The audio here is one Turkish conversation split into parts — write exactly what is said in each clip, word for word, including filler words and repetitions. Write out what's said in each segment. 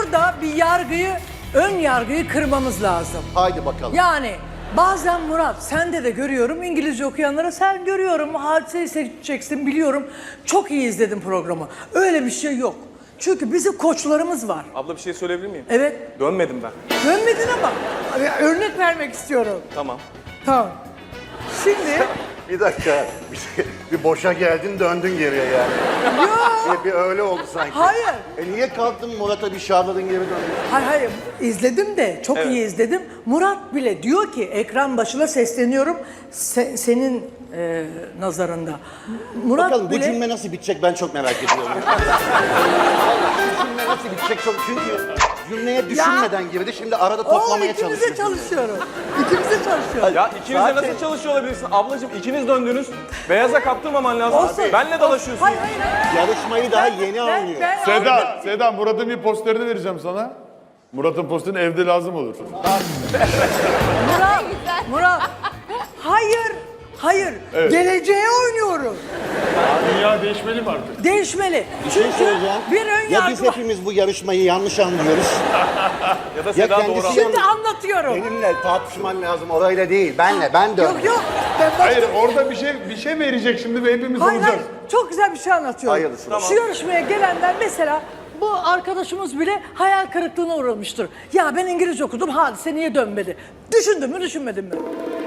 burada bir yargıyı, ön yargıyı kırmamız lazım. Haydi bakalım. Yani bazen Murat, sende de görüyorum, İngilizce okuyanlara sen görüyorum, Hadise'yi seçeceksin biliyorum. Çok iyi izledim programı. Öyle bir şey yok. Çünkü bizim koçlarımız var. Abla bir şey söyleyebilir miyim? Evet. Dönmedim ben. Dönmedin ama örnek vermek istiyorum. Tamam. Tamam. Şimdi Bir dakika. Bir, şey- bir boşa geldin döndün geriye yani. yok. Bir, bir öyle oldu sanki. Hayır. E niye kalktın Murat'a bir şarladın geri döndün? Hayır hayır izledim de çok Evet. iyi izledim. Murat bile diyor ki ekran başına sesleniyorum se- senin e, nazarında. Murat Bakalım bu bile cümle nasıl bitecek ben çok merak ediyorum. Vallahi bu cümle nasıl bitecek çok çünkü cümleye düşünmeden girdi şimdi arada oğlum toplamaya ikimize çalışıyor. çalışıyorum. İkimize çalışıyorum. Ya ikiniz de Zaten- nasıl çalışıyor olabilirsin? Ablacığım ikiniz döndünüz. Beyaza kaptırmaman lazım. Olsun. Benle dalaşıyorsun. Hayır hayır hayır. Yarışmayı daha Ben- yeni ben- anlıyor. ben Seda, anladım. Seda Murat'ın bir posterini vereceğim sana. Murat'ın posterini evde lazım olur. Murat, Murat. Hayır, hayır. Geleceğe oynuyoruz. Dünya değişmeli mi artık? Değişmeli. Bir şey Çünkü söyleyeceğim. bir ön Ya biz yargı var. hepimiz bu yarışmayı yanlış anlıyoruz. Ya da Ya Seda kendisi doğru. yanlış. Şimdi anlatıyorum. Benimle tartışman lazım orayla değil. Benle ben dön. Yok yok. Ben başka... Hayır orada bir şey bir şey verecek şimdi ve hepimiz Hayır, hayır. olacağız. Çok güzel bir şey anlatıyorum. Hayırlısı. Şu yarışmaya gelenler mesela bu arkadaşımız bile hayal kırıklığına uğramıştır. Ya ben İngilizce okudum, Hadise niye dönmedi? Düşündün mü, düşünmedin mi?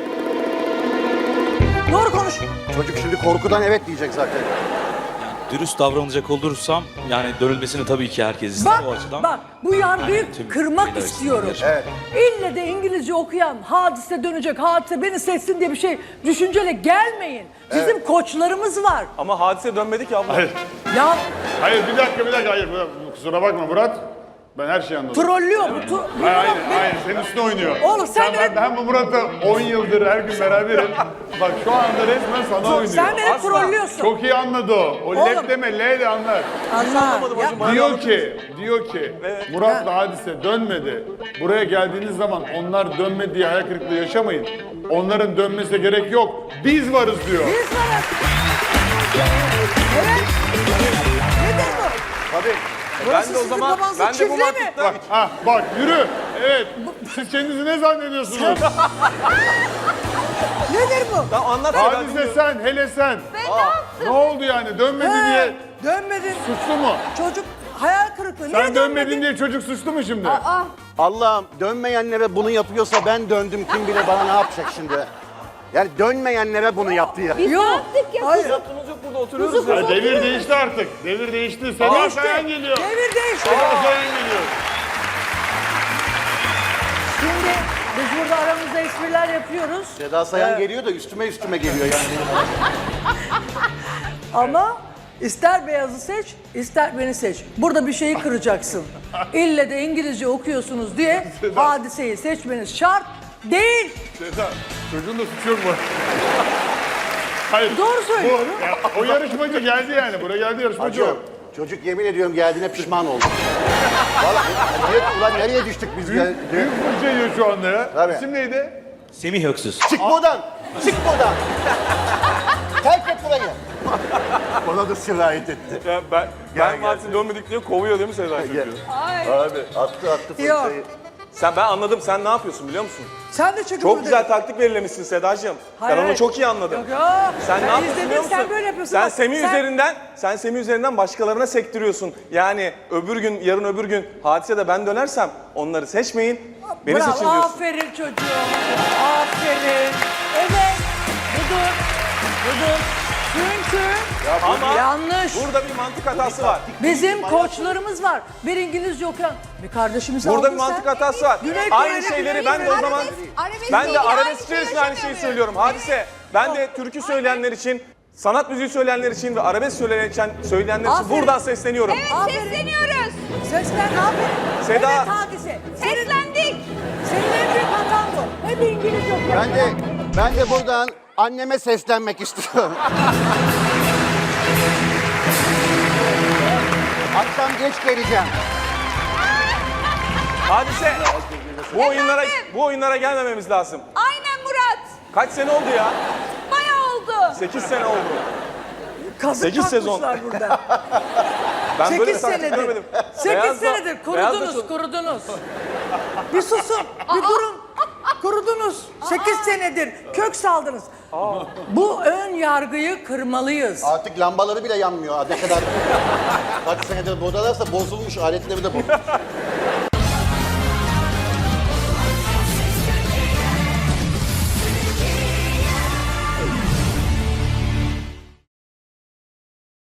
Doğru konuş. Çocuk şimdi korkudan evet diyecek zaten. Dürüst davranacak olursam yani dönülmesini tabii ki herkes ister Bak, o açıdan. bak bu yargıyı Yani tüm kırmak şeyler istiyorum. açısından Evet. İlle de İngilizce okuyan Hadise dönecek, Hadise beni seçsin diye bir şey düşünceyle gelmeyin. Bizim koçlarımız var. Ama Hadise dönmedi ki abla. Hayır. Ya Hayır bir dakika bir dakika hayır Murat, kusura bakma Murat. Ben her şeyi anladım. trollüyor bu. tu- bu Hayır, hayır, Murat beni- hayır, senin üstüne oynuyor. Oğlum sen ben, benim- ben bu Murat'la on yıldır her gün beraberim. Bak şu anda resmen sana oynuyor. Sen beni Asla. trollüyorsun. Çok iyi anladı o. O Oğlum. led deme, L de anlar. Allah. Ya, Bana Diyor anlatır ki, diyor ki Murat'la Hadise dönmedi. Buraya geldiğiniz zaman onlar dönmedi diye hayal kırıklığı yaşamayın. Onların dönmesine gerek yok. Biz varız diyor. biz varız. Evet. Nedir bu? Tabii. Ben Burası de o sizin zaman babanızın ben de bu çiftliği mi? mantıkla Bak, ha, bak yürü. Evet. Siz kendinizi ne zannediyorsunuz? Nedir bu? Tamam anlat Seda. Hadise sen, hele sen. Ne oldu yani? Dönmedi diye He, dönmedin. suçlu mu? Çocuk hayal kırıklığı. Niye Sen dönmedin diye çocuk suçlu mu şimdi? Allah'ım dönmeyenlere bunu yapıyorsa ben döndüm kim bilir bana ne yapacak şimdi. Yani dönmeyenlere bunu yaptı ya. Yok. Hayır. Yaptığımız yok burada oturuyoruz ya. Ya devir değişti artık. Devir değişti. Seda Değişti. Sayan geliyor. Devir değişti. Seda Sayan geliyor. Şimdi biz burada aramızda espriler yapıyoruz. Seda Sayan geliyor da üstüme üstüme geliyor yani. Ama ister beyazı seç, ister beni seç. Burada bir şeyi kıracaksın. İlle de İngilizce okuyorsunuz diye Hadiseyi seçmeniz şart değil. Seda, çocuğun da suçu yok mu? Hayır. Doğru söylüyorum. Bu, ya, o yarışmacı geldi yani. Buraya geldi yarışmacı o. Acı. Çocuk yemin ediyorum geldiğine pişman oldu. Vallahi niye, ulan nereye düştük biz ya? Büyük, büyük fırça yiyor şu anda ya. Tabii. İsim neydi? Semih Öksüz. Çık buradan! Çık buradan! Terk et burayı! Ona da sirayet etti. Ya ben Gel, ben gel. Hadise dönmedik diye kovuyor değil mi Seda çocuğu? Abi attı attı Yok. fırçayı. Sen ben anladım sen ne yapıyorsun biliyor musun? Sen de çünkü Çok burada- güzel taktik belirlemişsin Sedacığım. Hayır, Ben onu hayır. çok iyi anladım. Yok yok. Sen Ben ne yapıyorsun izledim, biliyor musun? sen böyle yapıyorsun. Sen Bak, Semih sen- üzerinden, sen Semih üzerinden başkalarına sektiriyorsun. Yani öbür gün, yarın öbür gün Hadise de ben dönersem onları seçmeyin. Beni Bravo, seçin diyorsun. aferin çocuğum. Aferin. Evet. Budur. Budur. Çünkü Ama yanlış. burada bir mantık hatası var. Bizim koçlarımız var. Bir İngilizce okuyan bir kardeşimizi Burada aldın bir mantık sen. hatası var. Güney Aynı Kore'de şeyleri Güney ben de o Kore'de- zaman Arabesk ben de değil, arabesk aynı şeyi içerisinde aynı şeyi yaşamıyor. söylüyorum. Hadise. Ben de türkü söyleyenler için, sanat müziği söyleyenler için ve arabesk söyleyenler için, söyleyenler için Aferin. buradan sesleniyorum. Evet sesleniyoruz. Seslen aferin. Seda. Evet Hadise. Senin, Seslendik. senin en büyük hatan bu. Hep İngilizce okuyan. Ben de, ben de buradan anneme seslenmek istiyorum. Akşam geç geleceğim. Hadise. Bu oyunlara bu oyunlara gelmememiz lazım. Aynen Murat. Kaç sene oldu ya? Bayağı oldu. sekiz sene oldu. Kazık sekiz sezon. takmışlar burada. Ben böyle bir sekiz taktik senedir. görmedim. sekiz Beyaz da- senedir beyaz da kurudunuz, çok- kurudunuz. Bir susun, bir durun. Kurudunuz. sekiz senedir kök saldınız. Bu ön yargıyı kırmalıyız. Artık lambaları bile yanmıyor. Ne kadar kaç senedir buradalarsa bozulmuş, aletleri de bozulmuş.